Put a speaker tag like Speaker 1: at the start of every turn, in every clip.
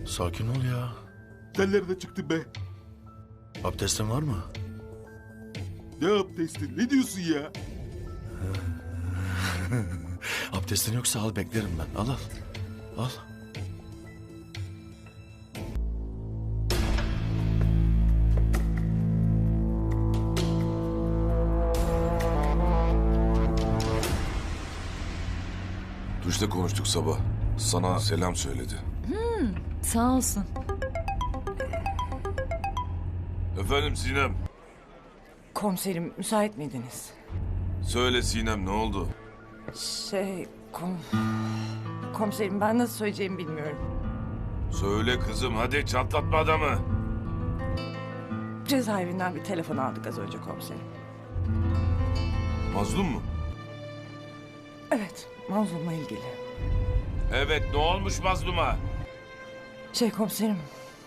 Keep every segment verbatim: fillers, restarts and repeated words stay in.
Speaker 1: Sakin ol ya.
Speaker 2: Sen nereden çıktın be?
Speaker 1: Abdestin var mı?
Speaker 2: Ne abdestin? Ne diyorsun ya?
Speaker 1: Abdestin yoksa al, beklerim ben. Al al. Al.
Speaker 3: Duşta konuştuk sabah. Sana selam söyledi.
Speaker 4: Sağ olsun.
Speaker 3: Efendim Sinem.
Speaker 5: Komiserim müsait miydiniz?
Speaker 3: Söyle Sinem, ne oldu?
Speaker 5: Şey kom... Komiserim ben nasıl söyleyeceğimi bilmiyorum.
Speaker 3: Söyle kızım, hadi çatlatma adamı.
Speaker 5: Cezaevinden bir telefon aldık az önce komiserim.
Speaker 3: Mazlum mu?
Speaker 5: Evet, mazlumla ilgili.
Speaker 3: Evet, ne olmuş mazluma?
Speaker 5: Şey komiserim,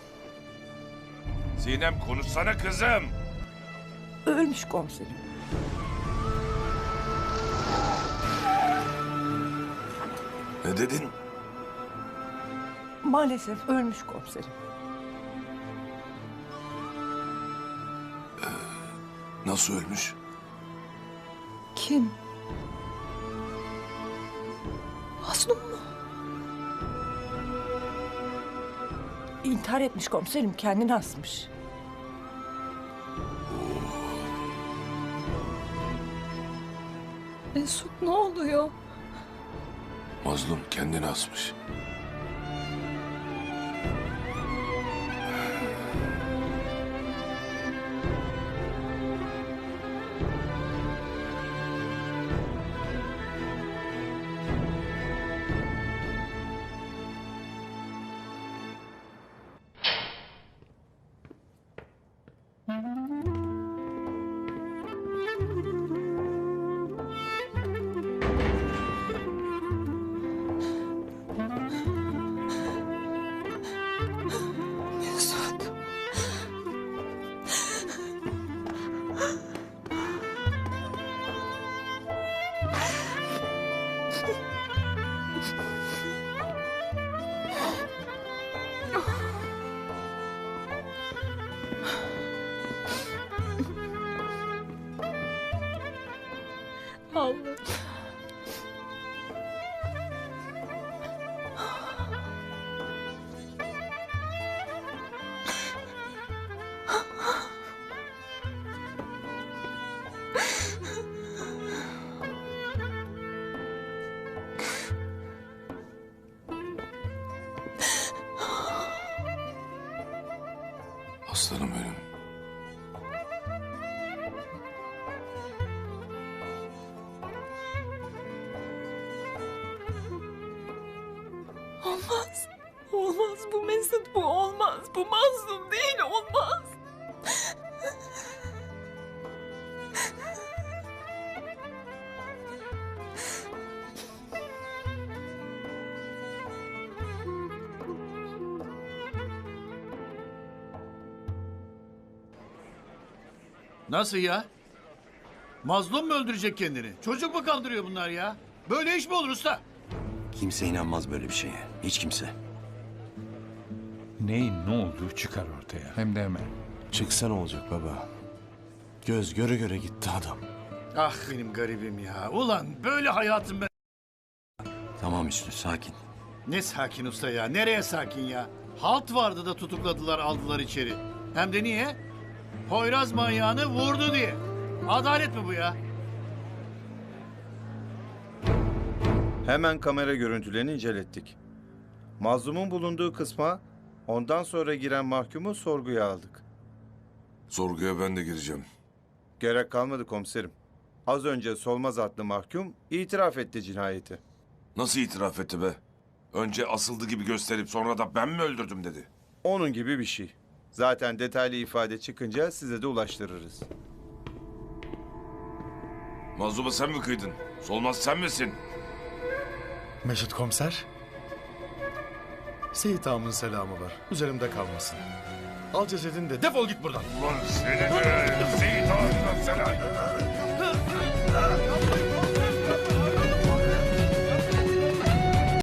Speaker 3: Sinem konuşsana kızım.
Speaker 5: ölmüş komiserim.
Speaker 3: Ne dedin?
Speaker 5: Maalesef ölmüş komiserim.
Speaker 3: Nasıl ölmüş?
Speaker 4: Kim? Mazlum mu?
Speaker 5: İntihar etmiş komiserim, kendini asmış.
Speaker 4: Mesut ne oluyor?
Speaker 3: Mazlum kendini asmış.
Speaker 4: Mesut. Allah.
Speaker 3: Aslanım benim.
Speaker 4: Olmaz. Olmaz bu Mesut, bu olmaz. Bu mazlum değil, olmaz.
Speaker 6: Nasıl ya? Mazlum mu öldürecek kendini? Çocuk mu kandırıyor bunlar ya? Böyle iş mi olur usta?
Speaker 7: Kimse inanmaz böyle bir şeye. Hiç kimse.
Speaker 8: Neyin ne olduğu çıkar ortaya. Hem de hemen.
Speaker 7: Çıksa ne olacak baba? Göz göre göre gitti adam.
Speaker 6: Ah benim garibim ya. Ulan böyle hayatım ben.
Speaker 7: Tamam Hüsnü, sakin.
Speaker 6: Ne sakin usta ya? Nereye sakin ya? Halt vardı da tutukladılar, aldılar içeri. Hem de niye? Poyraz manyağını vurdu diye. Adalet mi bu ya?
Speaker 9: Hemen kamera görüntülerini incelettik. Mazlumun bulunduğu kısma ondan sonra giren mahkumu sorguya aldık.
Speaker 3: Sorguya ben de gireceğim.
Speaker 9: Gerek kalmadı komiserim. Az önce Solmaz adlı mahkum itiraf etti cinayeti.
Speaker 3: Nasıl itiraf etti be? Önce asıldı gibi gösterip sonra da ben mi öldürdüm dedi.
Speaker 9: Onun gibi bir şey. Zaten detaylı ifade çıkınca size de ulaştırırız.
Speaker 3: Mazluma sen mi kıydın? Solmaz sen misin?
Speaker 1: Mesut komiser. Seyit ağamın selamı var. Üzerimde kalmasın. Al cesedini de defol git buradan.
Speaker 3: Ulan seni de Seyit Ağa'ndan selam.